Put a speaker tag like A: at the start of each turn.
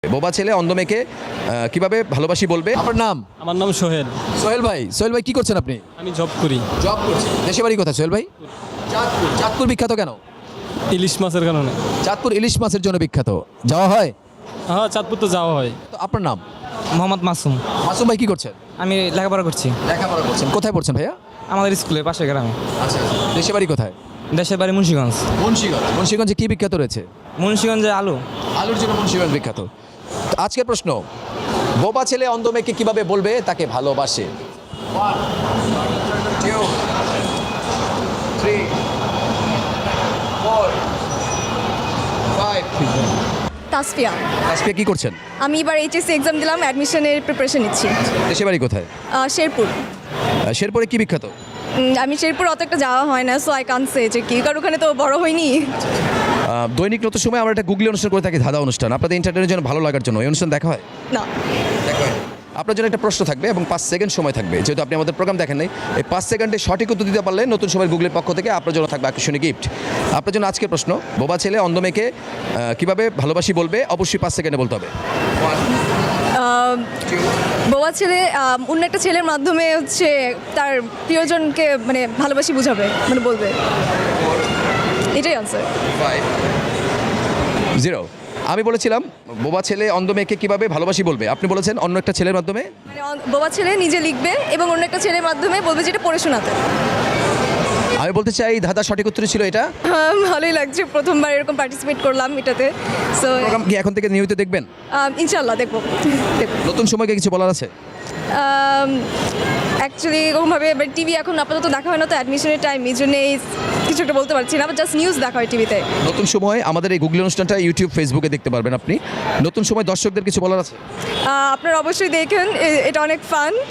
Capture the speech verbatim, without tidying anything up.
A: বোবা ছেলে অন্ধ মেয়েকে আহ, কিভাবে ভালোবাসি বলবে। আপনার নাম?
B: আমার নাম সোহেল।
A: সোহেল ভাই। সোহেল ভাই কি করছেন আপনি?
B: আমি জব করি।
A: জব করছেন। দেশে বাড়ি কোথায় সোহেল ভাই? চাঁদপুর। চাঁদপুর বিখ্যাত কেন?
B: ইলিশ মাছের কারণে।
A: চাঁদপুর ইলিশ মাছের জন্য বিখ্যাত। যাওয়া হয়?
B: হ্যাঁ, চাঁদপুর তো যাওয়া হয়।
A: তো আপনার নাম?
C: মোহাম্মদ মাসুম।
A: মাসুম ভাই কি করছেন?
C: আমি লেখাপড়া করছি
A: লেখাপড়া করছেন। কোথায় পড়ছেন ভাইয়া?
C: আমাদের স্কুলে পাশে গ্রামে।
A: আচ্ছা। দেশে বাড়ি কোথায়?
C: দেশের বাড়ি মুন্সিগঞ্জ।
A: মুন্সিগঞ্জ। মুন্সিগঞ্জে কি বিখ্যাত রয়েছে?
C: মুন্সিগঞ্জে আলু।
A: আলুর জন্য মুন্সিগঞ্জ বিখ্যাত। তো আজকের প্রশ্ন, বোবা ছেলে অন্ধ মেয়েকে কিভাবে বলবে তাকে ভালোবাসে?
D: তাসফিয়া।
A: আজকে কি করছেন?
D: আমি এবার এইচএসসি এক্সাম দিলাম, অ্যাডমিশনের প্রিপারেশন নিচ্ছি।
A: দেশে বাড়ি কোথায়?
D: আহ, শেরপুর।
A: আহ, শেরপুরে কি বিখ্যাত?
D: উম, আমি শেরপুর অত একটা যাওয়া হয় না, সো আই কান্ট সে যে কি, কারণ ওখানে তো বড় হয়নি।
A: আহ, দৈনিক নতুন সময় আমরা একটা গুগলি অনুষ্ঠান করে থাকি, ধাঁধা অনুষ্ঠান। আপনাদের এন্টারটেনের জন্য ভালো লাগার জন্য এই অনুষ্ঠান দেখা হয়?
D: না।
A: দেখা হয়। আপনার জন্য একটা প্রশ্ন থাকবে এবং পাঁচ সেকেন্ড সময় থাকবে। যেহেতু আপনি আমাদের প্রোগ্রাম দেখেন নাই, এই পাঁচ সেকেন্ডে সঠিক উত্তর দিতে পারলে নতুন সময় গুগলের পক্ষ থেকে আপনার জন্য থাকবে আকর্ষণীয় গিফট। আপনার জন্য আজকের প্রশ্ন, বোবা ছেলে অন্ধ মেয়েকে আহ, কিভাবে ভালোবাসি বলবে? অবশ্যই পাঁচ সেকেন্ডে বলতে হবে।
D: আহ, বোবা ছেলে আহ, অন্য একটা ছেলের মাধ্যমে হচ্ছে তার প্রিয়জনকে মানে ভালোবাসি বুঝাবে, মানে বলবে। এটাই আনসার।
A: জিরো। আমি বলেছিলাম বোবা ছেলে অন্ধ মেয়েকে কিভাবে ভালোবাসি বলবে, আপনি বলেছেন অন্য একটা ছেলের মাধ্যমে।
D: মানে অন- বোবা ছেলে নিজে লিখবে এবং অন্য একটা ছেলের মাধ্যমে বলবে যেটা পড়ে শোনাতে।
A: আমি বলতে চাই ধাঁধা সঠিক উত্তর ছিল এটা।
D: হ্যাঁ, ভালোই লাগছে, প্রথমবার এরকম পার্টিসিপেট করলাম এটাতে। সো
A: প্রোগ্রাম কি এখন থেকে নিয়মিত দেখবেন?
D: ইনশাল্লাহ দেখবো দেখবো
A: নতুন সময়কে কিছু বলার আছে?
D: অ্যাকচুয়ালি এরকমভাবে টিভি এখন আপাতত দেখা হয় না, তো অ্যাডমিশনের টাইম, এই জন্য কিছু একটা বলতে পারছি না, জাস্ট নিউজ দেখা হয় টিভিতে।
A: নতুন সময় আমাদের এই গুগলি অনুষ্ঠানটা ইউটিউব ফেসবুকে দেখতে পারবেন আপনি। নতুন সময় দর্শকদের কিছু বলার আছে?
D: আপনারা অবশ্যই দেখেন, এ- এটা অনেক ফান।